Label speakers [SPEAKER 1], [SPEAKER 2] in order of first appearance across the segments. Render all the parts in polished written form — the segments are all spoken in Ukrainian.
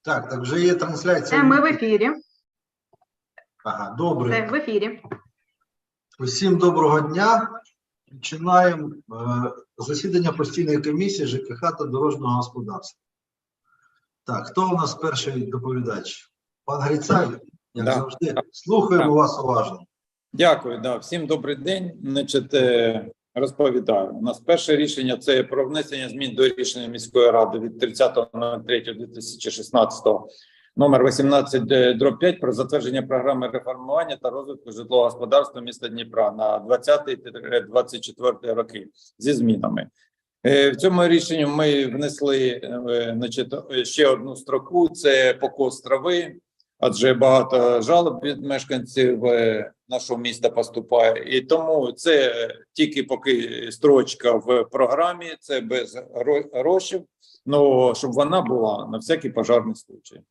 [SPEAKER 1] Так вже є трансляція.
[SPEAKER 2] Ми в ефірі.
[SPEAKER 1] Ага, добре.
[SPEAKER 2] В ефірі.
[SPEAKER 1] Усім доброго дня. Починаємо засідання постійної комісії ЖКХ та дорожнього господарства. Так, хто у нас перший доповідач? Пан Грицай, як завжди. Слухаємо вас уважно.
[SPEAKER 3] Дякую, всім добрий день. Розповідаю. У нас перше рішення – це про внесення змін до рішення міської ради від 30.03.2016 номер 18/5 про затвердження програми реформування та розвитку житлового господарства міста Дніпра на 20-24 роки зі змінами. В цьому рішенні ми внесли ще одну строку – це покос трави, адже багато жалоб від мешканців нашого міста поступає. І тому це тільки поки строчка в програмі, це без грошей, але щоб вона була на всякий пожарний случай.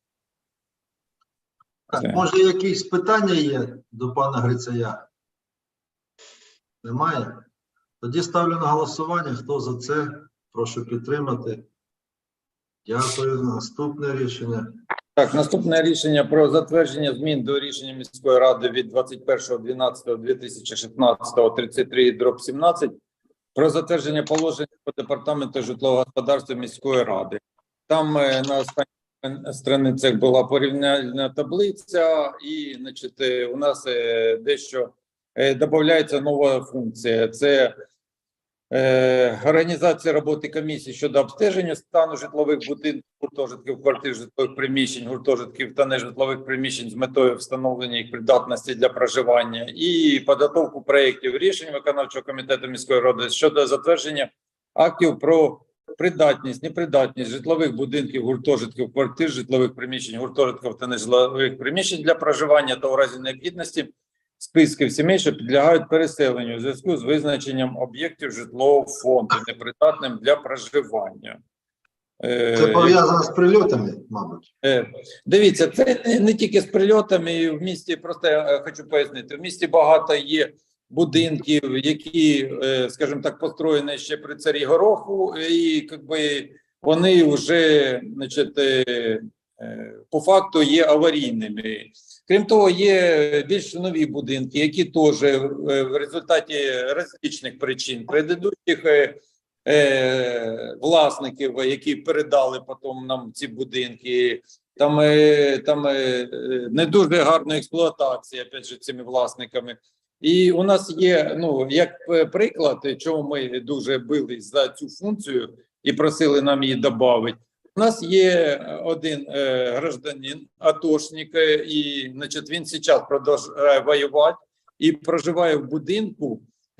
[SPEAKER 1] Так, може якісь питання є до пана Грицая? Немає? Тоді ставлю на голосування. Хто за це? Прошу підтримати. Дякую. Наступне рішення.
[SPEAKER 3] Так, наступне рішення про затвердження змін до рішення міської ради від 21.12.2016 33/17 про затвердження положень по департаменту житлового господарства міської ради. Там на останніх страницях була порівняльна таблиця і, у нас дещо додається нова функція. Це організація роботи комісії щодо обстеження стану житлових будинків, гуртожитків, квартир, житлових приміщень, гуртожитків та нежитлових приміщень з метою встановлення їх придатності для проживання і підготовку проєктів рішень виконавчого комітету міської ради щодо затвердження актів про придатність, непридатність житлових будинків, гуртожитків, квартир, житлових приміщень, гуртожитків та нежитлових приміщень для проживання та у разі необхідності списків сімей, що підлягають переселенню у зв'язку з визначенням об'єктів житлового фонду, непридатним для проживання.
[SPEAKER 1] Це пов'язано з прильотами, мабуть?
[SPEAKER 3] Дивіться, це не тільки з прильотами. В місті, просто я хочу пояснити, в місті багато є будинків, які, скажімо так, построєні ще при царі Гороху, і вони вже, по факту є аварійними. Крім того, є більш нові будинки, які теж в результаті різних причин предыдущих власників, які передали потім нам ці будинки, там не дуже гарна експлуатація, опять же, цими власниками. І у нас є, як приклад, чому ми дуже бились за цю функцію і просили нам її додати. У нас є один гражданин, атошник, і він зараз продовжує воювати і проживає в будинку.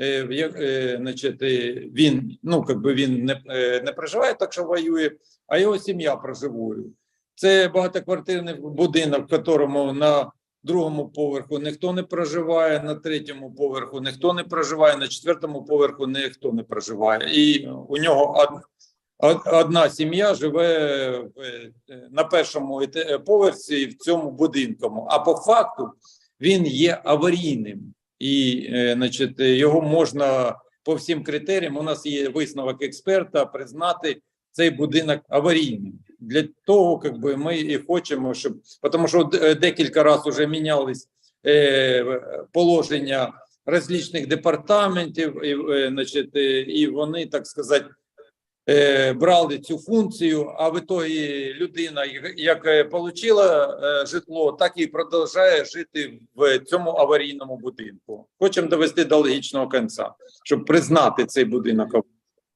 [SPEAKER 3] Він, він не проживає, так що воює, а його сім'я проживає. Це багатоквартирний будинок, в якому на другому поверху ніхто не проживає, на третьому поверху ніхто не проживає, на четвертому поверху ніхто не проживає. І у нього одна сім'я живе на першому поверсі в цьому будинку, а по факту він є аварійним. І, його можна по всім критеріям, у нас є висновок експерта, признати цей будинок аварійним. Для того, ми і хочемо, щоб, тому що декілька разів вже мінялись положення различних департаментів, і вони, так сказати, брали цю функцію, а в ітогі людина, як отримала житло, так і продовжує жити в цьому аварійному будинку. Хочемо довести до логічного кінця, щоб признати цей будинок.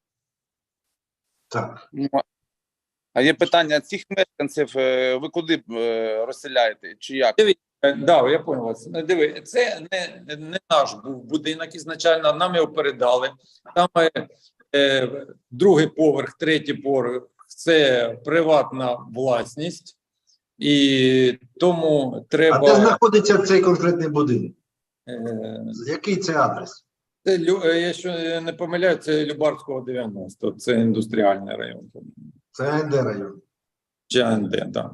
[SPEAKER 1] Так.
[SPEAKER 4] А є питання, цих мешканців ви куди розселяєте, чи як?
[SPEAKER 3] Да, я понял вас. Диви, це не наш був будинок ізначально, нам його передали. Там другий поверх, третій поверх – це приватна власність, і тому треба…
[SPEAKER 1] А де знаходиться цей конкретний будинок? Який це адрес?
[SPEAKER 3] Це, якщо не помиляю, це Любарського 90, це індустріальний район.
[SPEAKER 1] Це АНД район.
[SPEAKER 3] Чи АНД, так. Да.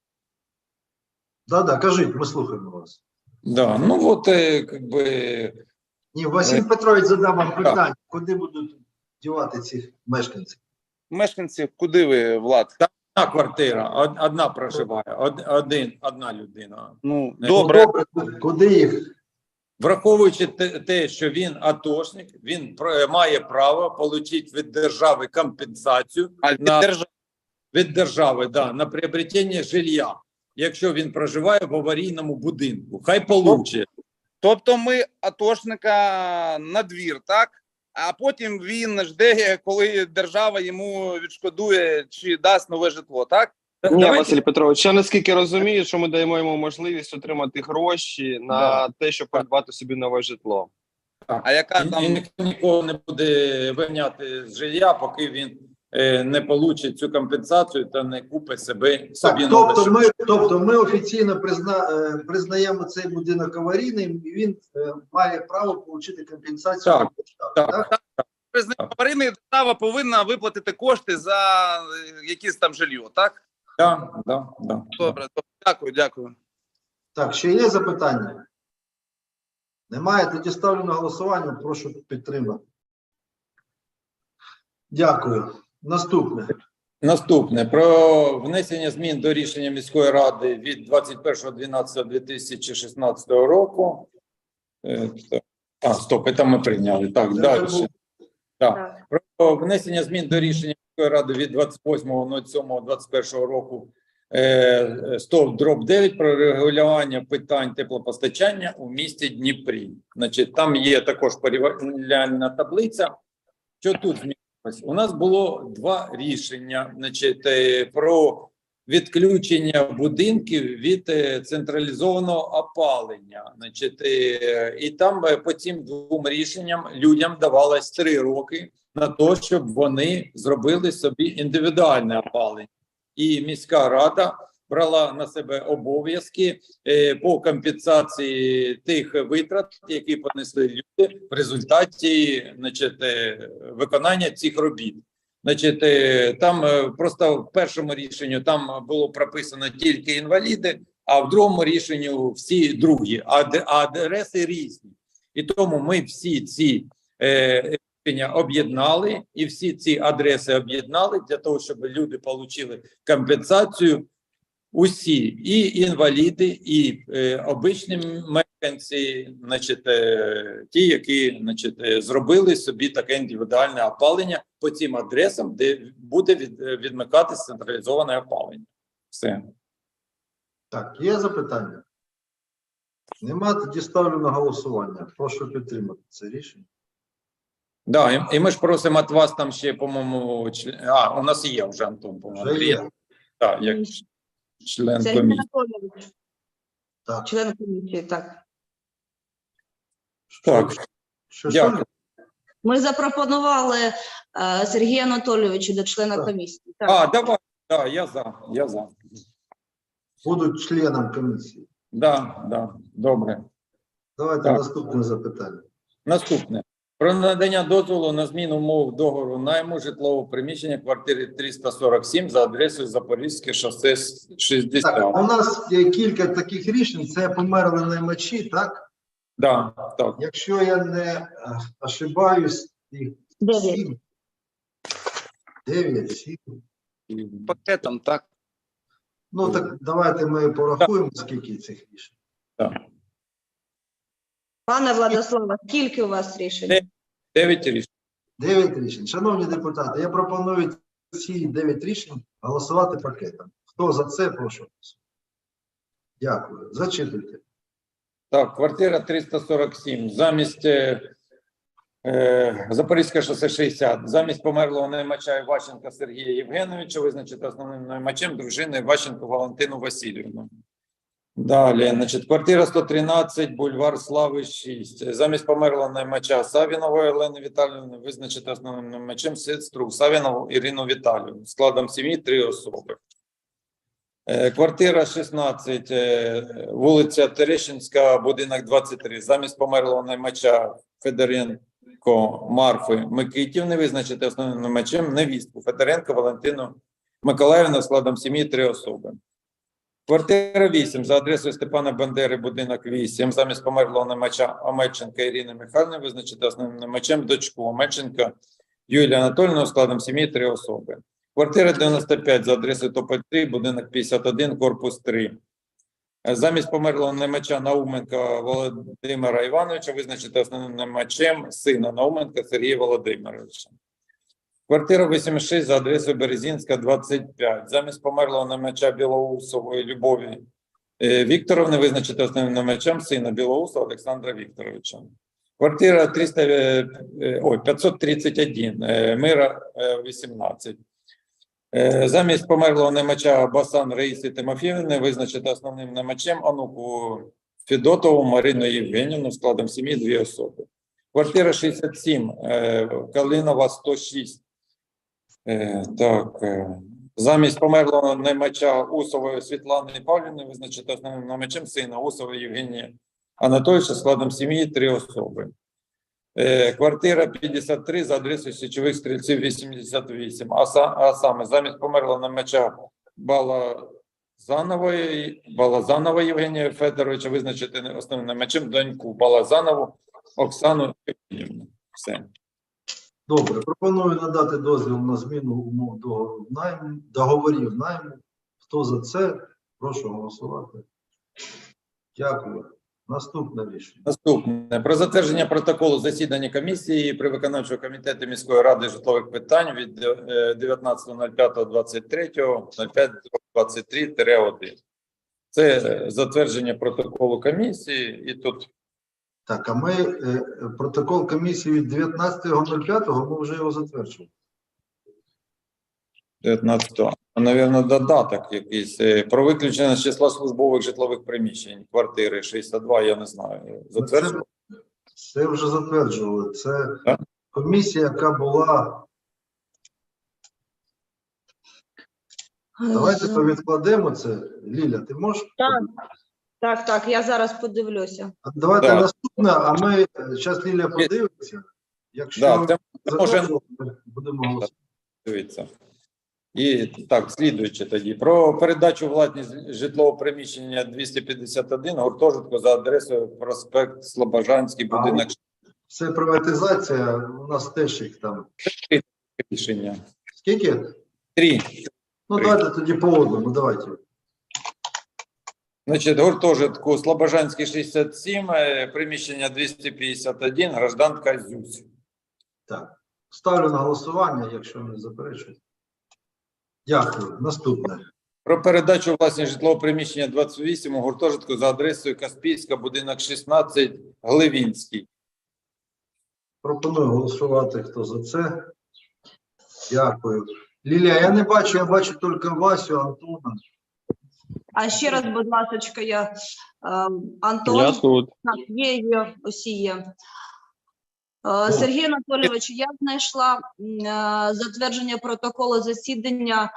[SPEAKER 1] Да, кажіть, ми слухаємо вас.
[SPEAKER 3] Да,
[SPEAKER 1] Ні, Василь Петрович задав вам питання, куди будуть дівати цих мешканців?
[SPEAKER 4] Мешканці, куди ви, Влад?
[SPEAKER 3] одна квартира, одна проживає, одна людина.
[SPEAKER 4] Ну,
[SPEAKER 3] Не,
[SPEAKER 4] добре.
[SPEAKER 1] Куди їх?
[SPEAKER 3] Враховуючи те, що він атошник, він має право отримати від держави компенсацію
[SPEAKER 4] А від
[SPEAKER 3] на,
[SPEAKER 4] держави
[SPEAKER 3] від держави, да, на приобретення жилья, якщо він проживає в аварійному будинку. Хай получить.
[SPEAKER 4] Тобто ми атошника на двір, так? А потім він жде, коли держава йому відшкодує чи дасть нове житло, так?
[SPEAKER 2] Ні,
[SPEAKER 3] Давайте-
[SPEAKER 2] Василь Петрович, я наскільки розумію, що ми даємо йому можливість отримати гроші на те, щоб придбати собі нове житло.
[SPEAKER 4] А яка
[SPEAKER 3] І
[SPEAKER 4] там
[SPEAKER 3] ніхто нікого не буде виняти з жилья, поки він не получить цю компенсацію та не купить собі
[SPEAKER 1] Так,
[SPEAKER 3] нове житло.
[SPEAKER 1] тобто ми офіційно признаємо цей будинок аварійним, і він має право отримати компенсацію.
[SPEAKER 3] Так,
[SPEAKER 1] від держави,
[SPEAKER 3] так.
[SPEAKER 4] аварійна держава повинна виплатити кошти за якісь там жилье, так?
[SPEAKER 3] Да.
[SPEAKER 4] Добре, дякую.
[SPEAKER 1] Так, ще є запитання? Немає? Тоді ставлю на голосування, прошу підтримати. Дякую. Наступне.
[SPEAKER 3] Про внесення змін до рішення міської ради від 21.12.2016 року. Стоп, це ми прийняли. Так,
[SPEAKER 1] Це
[SPEAKER 3] далі.
[SPEAKER 1] був-
[SPEAKER 3] Так. Про внесення змін до рішення міської ради від 28.07.21 року 100/9 про регулювання питань теплопостачання у місті Дніпрі. Значить, там є також порівняльна таблиця. Що тут змінилось? У нас було два рішення, значить, про відключення будинків від централізованого опалення. Значить, і там по цим двом рішенням людям давалось 3 роки на те, щоб вони зробили собі індивідуальне опалення. І міська рада брала на себе обов'язки по компенсації тих витрат, які понесли люди в результаті, значить, виконання цих робіт. Значить, там просто в першому рішенні там було прописано тільки інваліди, а в другому рішенні всі другі, а адреси різні. І тому ми всі ці рішення об'єднали, і всі ці адреси об'єднали для того, щоб люди отримали компенсацію. Усі, і інваліди, і обичні мешканці, значить, ті, які, значить, зробили собі таке індивідуальне опалення по цим адресам, де буде відмикатися централізоване опалення. Все.
[SPEAKER 1] Так, є запитання? Нема, тоді ставлю на голосування. Прошу підтримати це рішення.
[SPEAKER 3] Да, і ми ж просимо від вас там ще, по-моєму, у нас є вже Антон, по-моєму.
[SPEAKER 1] Вже є.
[SPEAKER 3] Так, як член
[SPEAKER 5] Сергій
[SPEAKER 3] комісії.
[SPEAKER 5] Анатолійович,
[SPEAKER 1] Так.
[SPEAKER 5] член комісії, так.
[SPEAKER 3] Так,
[SPEAKER 1] Що?
[SPEAKER 3] дякую.
[SPEAKER 5] Ми запропонували Сергія Анатолійовича до члена
[SPEAKER 1] Так.
[SPEAKER 5] комісії. Так.
[SPEAKER 3] Давай, да, я за.
[SPEAKER 1] Будуть членом комісії.
[SPEAKER 3] Да, добре.
[SPEAKER 1] Давайте
[SPEAKER 3] Так.
[SPEAKER 1] наступне запитання.
[SPEAKER 3] Наступне. Про надання дозволу на зміну умов договору найму житлового приміщення квартири 347 за адресою Запорізьке шосе 60.
[SPEAKER 1] Так, у нас є кілька таких рішень. Це померли наймачі, так?
[SPEAKER 3] Да, так.
[SPEAKER 1] Якщо я не ошибаюсь, їх
[SPEAKER 5] 9.
[SPEAKER 1] 7. 9, 7.
[SPEAKER 4] пакетом, так?
[SPEAKER 1] Ну так давайте ми порахуємо, скільки цих рішень.
[SPEAKER 3] Так.
[SPEAKER 5] Пане Владиславе, скільки у вас рішень?
[SPEAKER 3] 9 рішень.
[SPEAKER 1] 9 рішень. Шановні депутати, я пропоную ці 9 рішень голосувати пакетом. Хто за це, прошу. Дякую. Зачитуйте.
[SPEAKER 3] Так, квартира 347. Замість Запорізьке шосе 60. Замість померлого наймача Іващенка Сергія Євгеновича визначити основним наймачем дружини Іващенко Валентину Васильівну. Далі, значить, квартира 113, бульвар Слави 6. Замість померлого наймача Савінової Олени Віталіївни визначити основним наймачем сестру Савінову Ірину Віталіївну. Складом сім'ї 3 особи. Квартира 16, вулиця Терещинська, будинок 23. Замість померлого наймача Федоренко Марфи Микитівни визначити основним наймачем невістку Федоренко Валентину Миколаївну складом сім'ї 3 особи. Квартира 8 за адресою Степана Бандери, будинок 8. Замість померлого наймача Омельченка Ірини Михайлівни визначити основним наймачем дочку Омельченка Юлію Анатольовну складом сім'ї 3 особи. Квартира 95 за адресою Тополь 3, будинок 51, корпус 3. Замість померлого наймача Науменка Володимира Івановича визначити основним наймачем сина Науменка Сергія Володимировича. Квартира 86 за адресою Березінська, 25. Замість померлого наймача Білоусової Любові Вікторовни визначити основним наймачем сина Білоусова Олександра Вікторовича. Квартира 531, Мира 18. Замість померлого наймача Басан Раїси Тимофіївни визначити основним наймачем онуку Федотову Марину Євгенівну складом сім'ї 2 особи. Квартира 67, Калинова 106. Замість померлого наймача Усової Світлани Павлівни визначити основним наймачем сина Усової Євгенія Анатолійовича складом сім'ї 3 особи. Квартира 53 за адресою Січових Стрільців 88. А саме замість померлого наймача Балазанової Євгенія Федоровича визначити основним наймачем доньку Балазанову Оксану Євгенівну. Все.
[SPEAKER 1] Добре, пропоную надати дозвіл на зміну умов договорів найму. Хто за це? Прошу голосувати. Дякую. Наступне рішення.
[SPEAKER 3] Наступне. Про затвердження протоколу засідання комісії при виконавчого комітету міської ради житлових питань від 19.05.23.05.23-1. Це затвердження протоколу комісії і тут...
[SPEAKER 1] Так, а ми протокол комісії від 19.05 ми вже його затверджували.
[SPEAKER 3] 19-го. Навірно, додаток якийсь. Про виключення з числа службових житлових приміщень. Квартири 62, я не знаю. Затверджено?
[SPEAKER 1] Це вже затверджували. Це
[SPEAKER 3] Так.
[SPEAKER 1] комісія, яка була... Давайте повідкладемо це. Ліля, ти можеш?
[SPEAKER 5] Так, я зараз подивлюся.
[SPEAKER 1] Давайте
[SPEAKER 3] Так.
[SPEAKER 1] наступне, а ми зараз Ліля подивиться. Якщо
[SPEAKER 3] Да, це може
[SPEAKER 1] затверджувати, будемо голосувати.
[SPEAKER 3] дивитися. І так, слідуючи тоді. Про передачу у власність житлового приміщення 251 гуртожитку за адресою проспект Слобожанський, будинок
[SPEAKER 1] Це приватизація, у нас теж їх там.
[SPEAKER 3] рішення.
[SPEAKER 1] Скільки?
[SPEAKER 3] 3.
[SPEAKER 1] Ну, давайте тоді по одному, давайте.
[SPEAKER 3] Значить, гуртожитку Слобожанський 67, приміщення 251, гражданка Зюсь.
[SPEAKER 1] Так. Ставлю на голосування, якщо не заперечують. Дякую. Наступне.
[SPEAKER 3] Про передачу у власність житлового приміщення 28 у гуртожитку за адресою Каспійська, будинок 16, Гливінський.
[SPEAKER 1] Пропоную голосувати, хто за це. Дякую. Лілія, я не бачу, я бачу тільки Васю, Антона.
[SPEAKER 5] А ще раз, будь ласка, Антон.
[SPEAKER 2] Я тут.
[SPEAKER 5] Так, є, усі є. Сергій Анатолійович, я знайшла затвердження протоколу засідання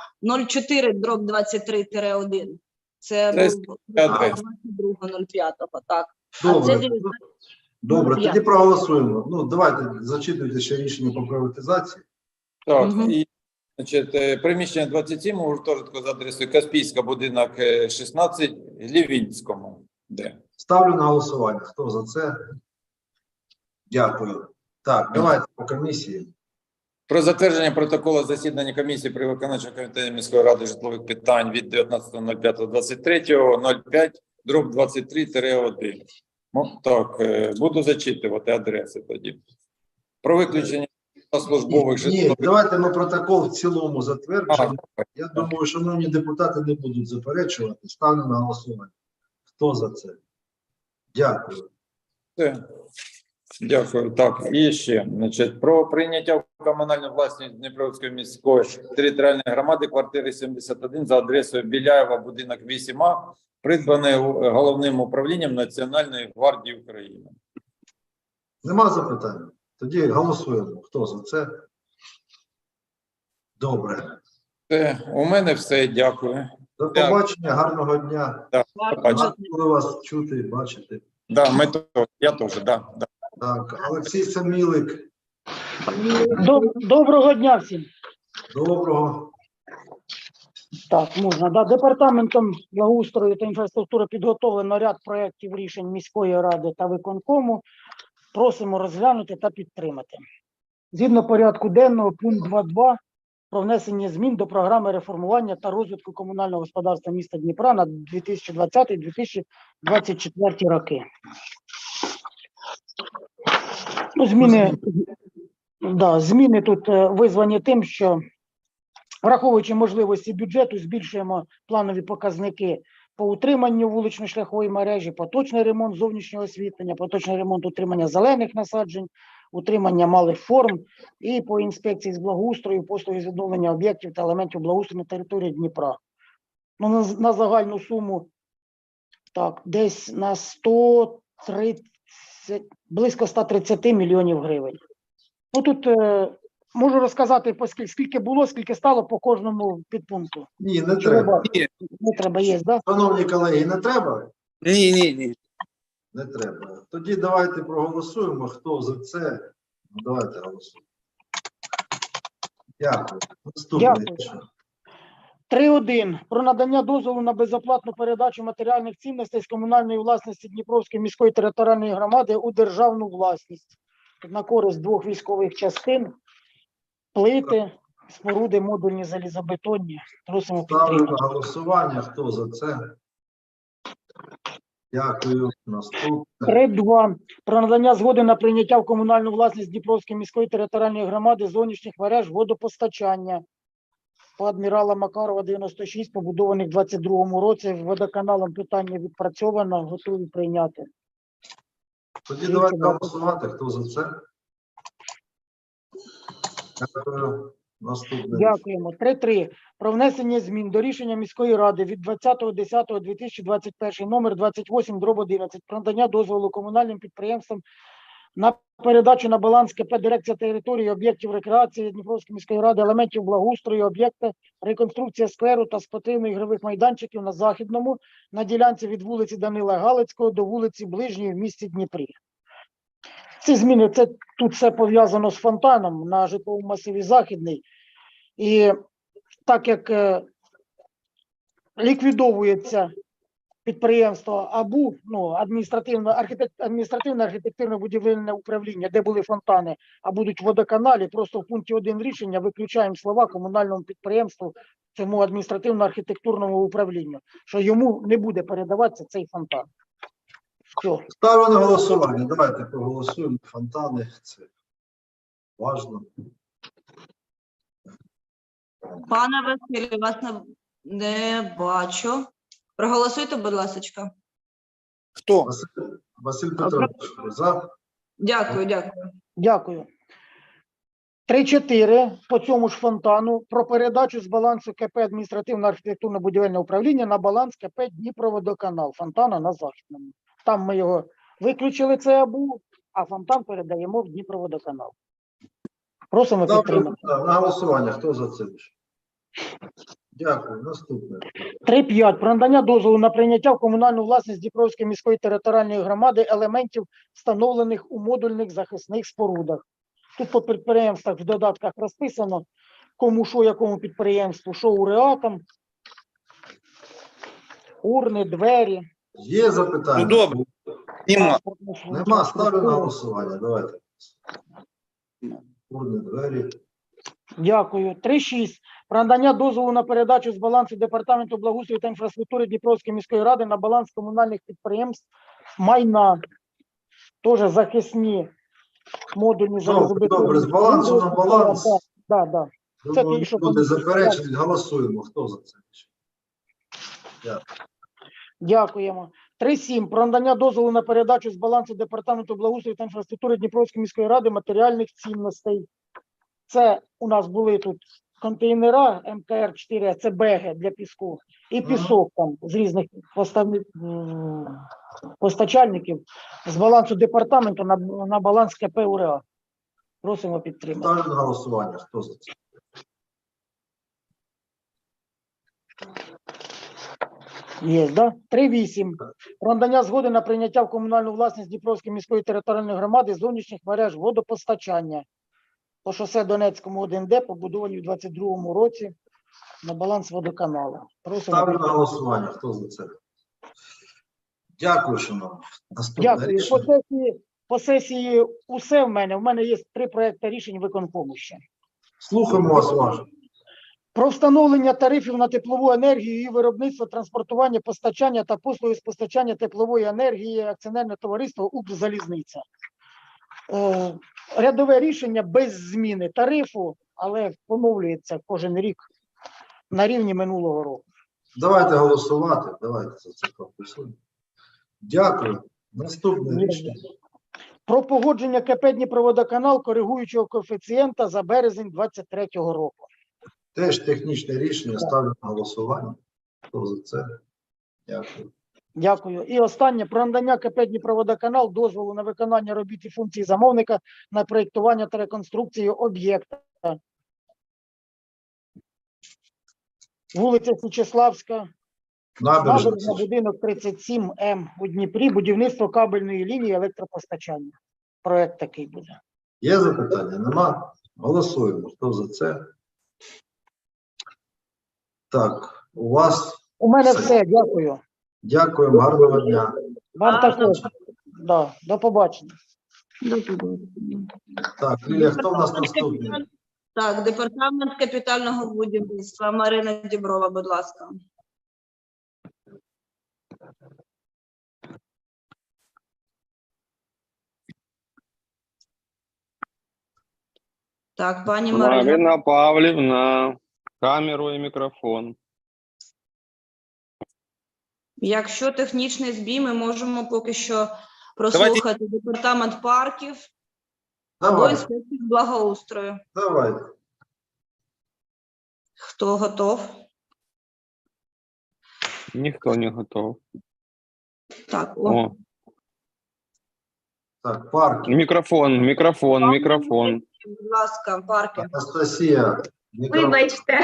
[SPEAKER 5] 04/23-1. Це був 22.05, так.
[SPEAKER 1] Добре. Добре, тоді проголосуємо. Ну, давайте зачитуйте ще рішення по приватизації.
[SPEAKER 3] Так,
[SPEAKER 5] Мгм.
[SPEAKER 3] і значить, приміщення 27 у гуртожитку за адресою Каспійська, будинок 16, Лівінському. Де?
[SPEAKER 1] Ставлю на голосування. Хто за це? Дякую. Так, давайте по комісії.
[SPEAKER 3] Про затвердження протоколу засідання комісії при виконавчому комітеті міської ради житлових питань від 19.05.23/23-1. Ну, так, буду зачитувати адреси тоді. Про виключення службових
[SPEAKER 1] Ні,
[SPEAKER 3] житлових...
[SPEAKER 1] давайте ми протокол в цілому затверджуємо.
[SPEAKER 3] А,
[SPEAKER 1] Я думаю, шановні депутати не будуть заперечувати. Ставлю на голосування. Хто за це? Дякую.
[SPEAKER 3] Все. Дякую. Так, і ще, значить, про прийняття в комунальну власність Дніпровської міської територіальної громади квартири 71 за адресою Біляєва, будинок 8А, придбаний головним управлінням Національної гвардії України.
[SPEAKER 1] Нема запитань? Тоді голосуємо. Хто за це? Добре.
[SPEAKER 3] Все, у мене все, дякую.
[SPEAKER 1] До побачення, гарного дня.
[SPEAKER 3] Да, побачення.
[SPEAKER 1] Буду вас чути і бачити.
[SPEAKER 3] Да, ми то, я теж, да, да.
[SPEAKER 1] Так, Олексій Самілик.
[SPEAKER 6] Доброго дня всім.
[SPEAKER 1] Доброго.
[SPEAKER 6] Так, можна. Да. Департаментом благоустрою та інфраструктури підготовлено ряд проєктів рішень міської ради та виконкому. Просимо розглянути та підтримати. Згідно порядку денного, пункт 2.2 про внесення змін до програми реформування та розвитку комунального господарства міста Дніпра на 2020-2024 роки. Ну, зміни тут визвані тим, що враховуючи можливості бюджету, збільшуємо планові показники по утриманню вулично-шляхової мережі, поточний ремонт зовнішнього освітлення, поточний ремонт утримання зелених насаджень, утримання малих форм і по інспекції з благоустрою, послуги з відновлення об'єктів та елементів благоустрою на території Дніпра. Ну, на загальну суму так, десь на 130, близько 130 мільйонів гривень. Ну, тут можу розказати, скільки було, скільки стало по кожному підпункту.
[SPEAKER 1] Ні, не треба.
[SPEAKER 6] Не треба, є, так? Да?
[SPEAKER 1] Шановні колеги, не треба?
[SPEAKER 4] Ні.
[SPEAKER 1] Не треба. Тоді давайте проголосуємо, хто за це. Ну, давайте голосуємо. Дякую. Наступний.
[SPEAKER 6] Дякую. 3.1. Про надання дозволу на безоплатну передачу матеріальних цінностей з комунальної власності Дніпровської міської територіальної громади у державну власність на користь двох військових частин, плити, споруди, модульні залізобетонні. Просимо
[SPEAKER 1] Ставлю
[SPEAKER 6] підтримати.
[SPEAKER 1] на голосування. Хто за це? Дякую. Наступне.
[SPEAKER 6] 3.2. Про надання згоди на прийняття в комунальну власність Дніпровської міської територіальної громади зовнішніх мереж водопостачання по адмірала Макарова 96, побудованих в 22-му році. Водоканалом питання відпрацьовано, готові прийняти.
[SPEAKER 1] Тоді давайте голосувати. Хто за це? Дякую. Наступне.
[SPEAKER 6] Дякуємо. 3.3. Про внесення змін до рішення міської ради від 20.10.2021 номер 28/11 про надання дозволу комунальним підприємствам на передачу на баланс КП «Дирекція території об'єктів рекреації Дніпровської міської ради, елементів благоустрою, об'єкти, реконструкція скверу та спортивно-ігрових майданчиків на Західному, на ділянці від вулиці Данила Галицького до вулиці Ближньої в місті Дніпрі. Ці зміни, тут все пов'язано з фонтаном на житловому масиві Західний. І так як ліквідовується підприємство АБУ, ну, адміністративне архітектурно-будівельне управління, де були фонтани, а будуть водоканалі, просто в пункті 1 рішення виключаємо слова комунальному підприємству, цьому адміністративно-архітектурному управлінню, що йому не буде передаватися цей фонтан. Все.
[SPEAKER 1] Ставлю на голосування. Давайте проголосуємо. Фонтани. Це важливо.
[SPEAKER 5] Пане Василь, вас не бачу. Проголосуйте, будь ласка.
[SPEAKER 4] Хто?
[SPEAKER 1] Василь Петрович, за.
[SPEAKER 5] Дякую.
[SPEAKER 6] Дякую. 3.4 по цьому ж фонтану про передачу з балансу КП адміністративно-архітектурно-будівельне управління на баланс КП Дніпроводоканал, фонтана на Західному. Там ми його виключили, це АБУ, а фонтан передаємо в Дніпроводоканал. Просимо підтримати.
[SPEAKER 1] Ставлю на голосування. Хто за це? Дякую. Наступне.
[SPEAKER 6] 3.5. Про надання дозволу на прийняття в комунальну власність Дніпровської міської територіальної громади елементів, встановлених у модульних захисних спорудах. Тут по підприємствах в додатках розписано, кому що, якому підприємству, що уреатам, урни, двері.
[SPEAKER 1] Є запитання?
[SPEAKER 4] Ну, добре. Нема.
[SPEAKER 1] Нема. Ставлю на голосування. Давайте. Урни, двері.
[SPEAKER 6] Дякую. 3.6. Про надання дозволу на передачу з балансу Департаменту благоустрою та інфраструктури Дніпровської міської ради на баланс комунальних підприємств майна. Теж захисні модульні
[SPEAKER 1] Добре, з балансу на баланс.
[SPEAKER 6] Так. Це
[SPEAKER 1] Думаю,
[SPEAKER 6] ті, що
[SPEAKER 1] буде заперечень. Голосуємо. Хто за це?
[SPEAKER 6] Дякуємо. 3.7. Про надання дозволу на передачу з балансу Департаменту благоустрою та інфраструктури Дніпровської міської ради матеріальних цінностей. Це у нас були тут контейнера МКР-4, це беги для піску, і пісок там з різних постачальників з балансу департаменту на баланс КП УРА. Просимо підтримати.
[SPEAKER 1] Ставлю на голосування. Хто за це?
[SPEAKER 6] Є, да? 3.8. Про надання згоди на прийняття в комунальну власність Дніпровської міської територіальної громади зовнішніх мереж водопостачання по шосе Донецькому 1Д, побудовані в 22-му році на баланс водоканалу. Просимо
[SPEAKER 1] Ставлю на
[SPEAKER 6] підтримати.
[SPEAKER 1] голосування. Хто за це? Дякую, шановні. Наступне
[SPEAKER 6] Дякую.
[SPEAKER 1] рішення.
[SPEAKER 6] По сесії усе в мене. В мене є 3 проекти рішень виконкому ще.
[SPEAKER 1] Слухаємо вас уважно.
[SPEAKER 6] Про встановлення тарифів на теплову енергію, її виробництво, транспортування, постачання та послуги з постачання теплової енергії акціонерне товариство «Укрзалізниця». Рядове рішення без зміни тарифу, але поновлюється кожен рік на рівні минулого року.
[SPEAKER 1] Давайте голосувати. Давайте за це проголосуємо. Дякую. Наступне рішення.
[SPEAKER 6] Про погодження КП «Дніпроводоканал» коригуючого коефіцієнта за березень 2023 року.
[SPEAKER 1] Теж технічне рішення. Ставлю на голосування. Хто за це? Дякую.
[SPEAKER 6] Дякую. І останнє. Про надання КП «Дніпроводоканал» дозволу на виконання робіт і функцій замовника на проєктування та реконструкцію об'єкта. Вулиця Січеславська, набережна,
[SPEAKER 1] Набережна.
[SPEAKER 6] будинок 37М у Дніпрі, будівництво кабельної лінії електропостачання. Проект такий буде.
[SPEAKER 1] Є запитання? Нема? Голосуємо. Хто за це? Так, у вас.
[SPEAKER 6] У мене все. Дякую.
[SPEAKER 1] Дякуємо. Гарного дня.
[SPEAKER 6] Вам також. Да, до побачення.
[SPEAKER 1] Так, Лілія, хто в нас наступний?
[SPEAKER 5] Так, департамент капітального будівництва. Марина Діброва, будь ласка. Так, пані Марина.
[SPEAKER 2] Марина Павлівна, камеру і мікрофон.
[SPEAKER 5] Якщо технічний збій, ми можемо поки що прослухати департамент парків або
[SPEAKER 1] Давай,
[SPEAKER 5] інспекцію благоустрою.
[SPEAKER 1] давай.
[SPEAKER 5] Хто готов?
[SPEAKER 2] Ніхто не готов.
[SPEAKER 5] Так,
[SPEAKER 2] О,
[SPEAKER 1] Так, парк.
[SPEAKER 2] мікрофон.
[SPEAKER 5] будь ласка, парки.
[SPEAKER 1] Анастасія. мікрофон.
[SPEAKER 7] Вибачте.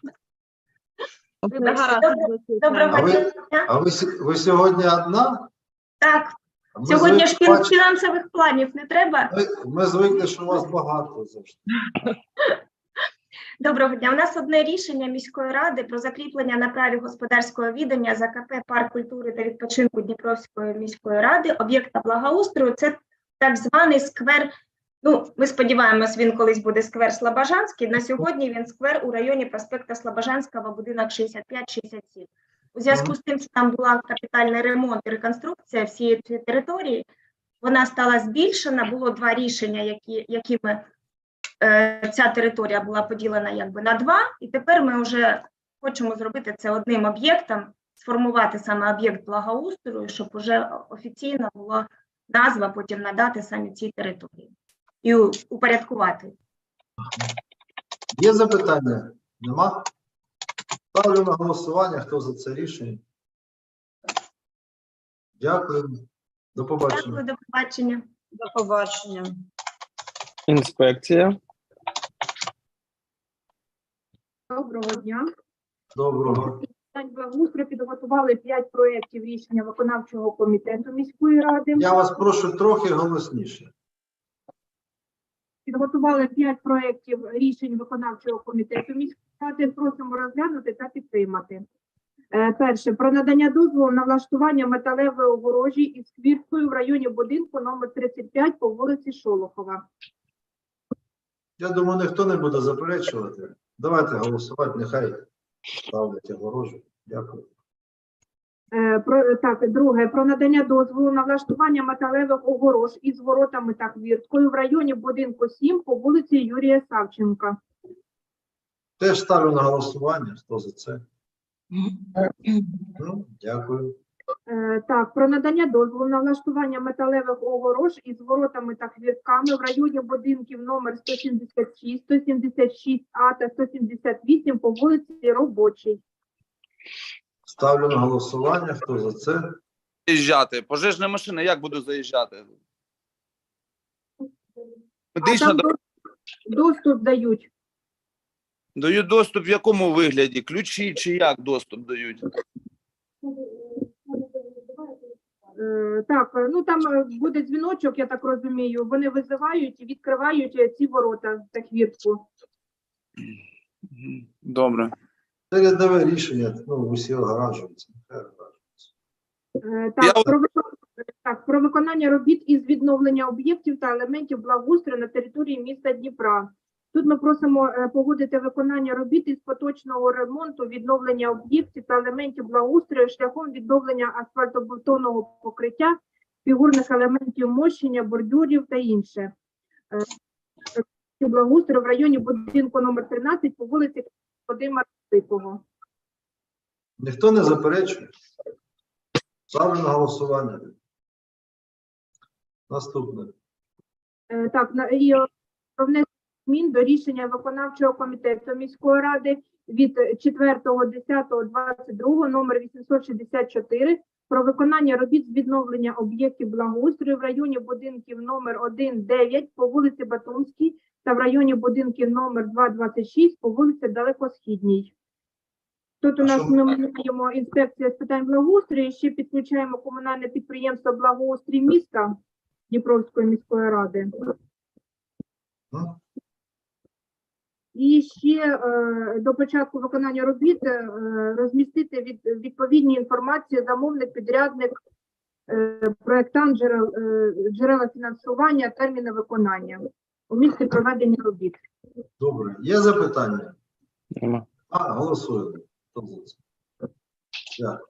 [SPEAKER 5] Гаразд,
[SPEAKER 7] Доброго
[SPEAKER 1] А ви-
[SPEAKER 7] дня.
[SPEAKER 1] А ви сьогодні одна?
[SPEAKER 7] Так,
[SPEAKER 1] А ми
[SPEAKER 7] сьогодні ж
[SPEAKER 1] звикли бачити-
[SPEAKER 7] фінансових планів не треба.
[SPEAKER 1] ми звикли, що у вас багато завжди.
[SPEAKER 7] Доброго дня. У нас одне рішення міської ради про закріплення на праві господарського відання за КП «Парк культури та відпочинку Дніпровської міської ради» об'єкта благоустрою. Це так званий сквер. Ну, ми сподіваємось, він колись буде сквер Слобожанський. На сьогодні він сквер у районі проспекта Слобожанського, будинок 65-67. У зв'язку з тим, що там була капітальний ремонт і реконструкція всієї цієї території, вона стала збільшена. Було два рішення, якими ця територія була поділена якби на два. І тепер ми вже хочемо зробити це одним об'єктом, сформувати саме об'єкт благоустрою, щоб уже офіційно була назва, потім надати самі цій території і упорядкувати.
[SPEAKER 1] Є запитання? Нема? Ставлю на голосування. Хто за це рішення? Дякую. До побачення.
[SPEAKER 7] Дякую, до побачення.
[SPEAKER 5] До побачення.
[SPEAKER 2] Інспекція.
[SPEAKER 8] Доброго дня.
[SPEAKER 1] Доброго.
[SPEAKER 8] Питань благоустрою підготували 5 проєктів рішення виконавчого комітету міської ради.
[SPEAKER 1] Я вас прошу трохи голосніше.
[SPEAKER 8] Підготували 5 проєктів рішень виконавчого комітету міської ради. Просимо розглянути та підтримати. Перше. Про надання дозволу на влаштування металевої огорожі із квіткою в районі будинку номер 35 по вулиці Шолохова.
[SPEAKER 1] Я думаю, ніхто не буде заперечувати. Давайте голосувати, нехай ставлять огорожу. Дякую.
[SPEAKER 8] Друге. Про надання дозволу на влаштування металевих огорож із воротами та квірткою в районі будинку 7 по вулиці Юрія Савченка.
[SPEAKER 1] Теж ставлю на голосування. Хто за це? Дякую.
[SPEAKER 8] Про надання дозволу на влаштування металевих огорож із воротами та квіртками в районі будинків номер 176, 176А та 178 по вулиці Робочій.
[SPEAKER 1] Ставлю на голосування. Хто за це?
[SPEAKER 4] Заїжджати. Пожежна машина, як буду заїжджати?
[SPEAKER 8] А
[SPEAKER 4] Медична
[SPEAKER 8] там доступ дають.
[SPEAKER 4] дають доступ в якому вигляді? Ключі чи як доступ дають?
[SPEAKER 8] Там буде дзвіночок, я так розумію. Вони визивають і відкривають ці ворота та квіртку.
[SPEAKER 4] Добре.
[SPEAKER 1] Це рядове рішення. Усі огоражуються. Нехай огоражуються.
[SPEAKER 8] Про виконання робіт із відновлення об'єктів та елементів благоустрою на території міста Дніпра. Тут ми просимо погодити виконання робіт із поточного ремонту, відновлення об'єктів та елементів благоустрою шляхом відновлення асфальтобетонного покриття, фігурних елементів мощення, бордюрів та інше. Благоустрою в районі будинку номер 13 по вулиці Вадима Росикого.
[SPEAKER 1] Ніхто не заперечує? Ставлю на голосування. Наступне.
[SPEAKER 8] Так, і про внесення змін до рішення виконавчого комітету міської ради від 4.10.22 номер 864 про виконання робіт з відновлення об'єктів благоустрою в районі будинків номер 1-9 по вулиці Батумській та в районі будинків номер 2-26 по вулиці Далекосхідній. Тут у нас ми маємо інспекція з питань благоустрою, ще підключаємо комунальне підприємство «Благоустрій міста» Дніпровської міської ради. І ще до початку виконання робіт розмістити відповідні інформації замовник, підрядник, проєктант, джерела фінансування, терміни виконання у місці проведення робіт.
[SPEAKER 1] Добре. Є запитання?
[SPEAKER 2] Нема.
[SPEAKER 1] Голосуємо. Хто за це? Дякую.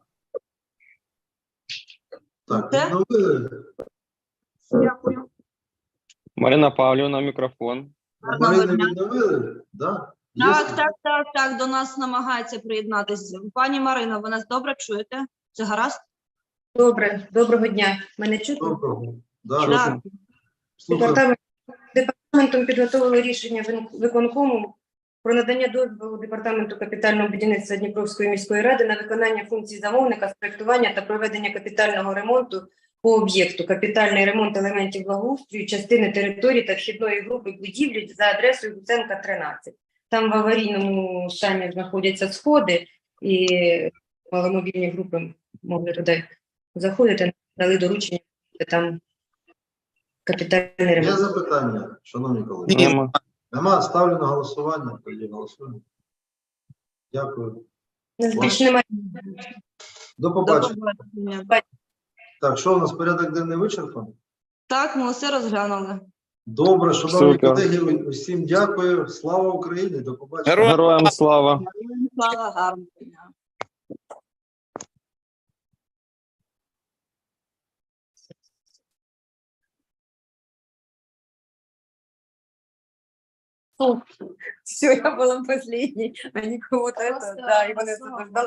[SPEAKER 1] Так,
[SPEAKER 5] Все?
[SPEAKER 1] відновили.
[SPEAKER 8] Дякую.
[SPEAKER 2] Марина Павлівна, мікрофон.
[SPEAKER 5] Гарного
[SPEAKER 1] Марину
[SPEAKER 5] дня.
[SPEAKER 1] відновили? Да? Є
[SPEAKER 5] Так, до нас намагається приєднатися. Пані Марина, ви нас добре чуєте? Це гаразд?
[SPEAKER 9] Добре, доброго дня. Мене чутно?
[SPEAKER 1] Доброго. Да,
[SPEAKER 5] Так.
[SPEAKER 1] слухаю.
[SPEAKER 9] Департаментом підготовили рішення виконкому про надання дозволу Департаменту капітального будівництва Дніпровської міської ради на виконання функцій замовника з проєктування та проведення капітального ремонту по об'єкту капітальний ремонт елементів благоустрою, частини території та вхідної групи будівлі за адресою Гуценка, 13. Там в аварійному стані знаходяться сходи, і маломобільні групи могли туди заходити, дали доручення, там капітальний
[SPEAKER 1] Є
[SPEAKER 9] ремонт.
[SPEAKER 1] запитання, шановні колеги?
[SPEAKER 2] Нема.
[SPEAKER 1] Нема, ставлю на голосування. Тоді голосуємо. Дякую.
[SPEAKER 9] Більше немає.
[SPEAKER 1] До
[SPEAKER 5] До
[SPEAKER 1] побачення.
[SPEAKER 5] побачення.
[SPEAKER 1] Так, що у нас порядок денний вичерпаний?
[SPEAKER 5] Так, ми усе розглянули.
[SPEAKER 1] Добре, шановні
[SPEAKER 2] Супер.
[SPEAKER 1] колеги, усім дякую. Слава Україні, до побачення.
[SPEAKER 2] Героям слава.
[SPEAKER 5] Слава, гарного дня.
[SPEAKER 9] Все, я была последней, они кого-то это, да, и вони освобождали.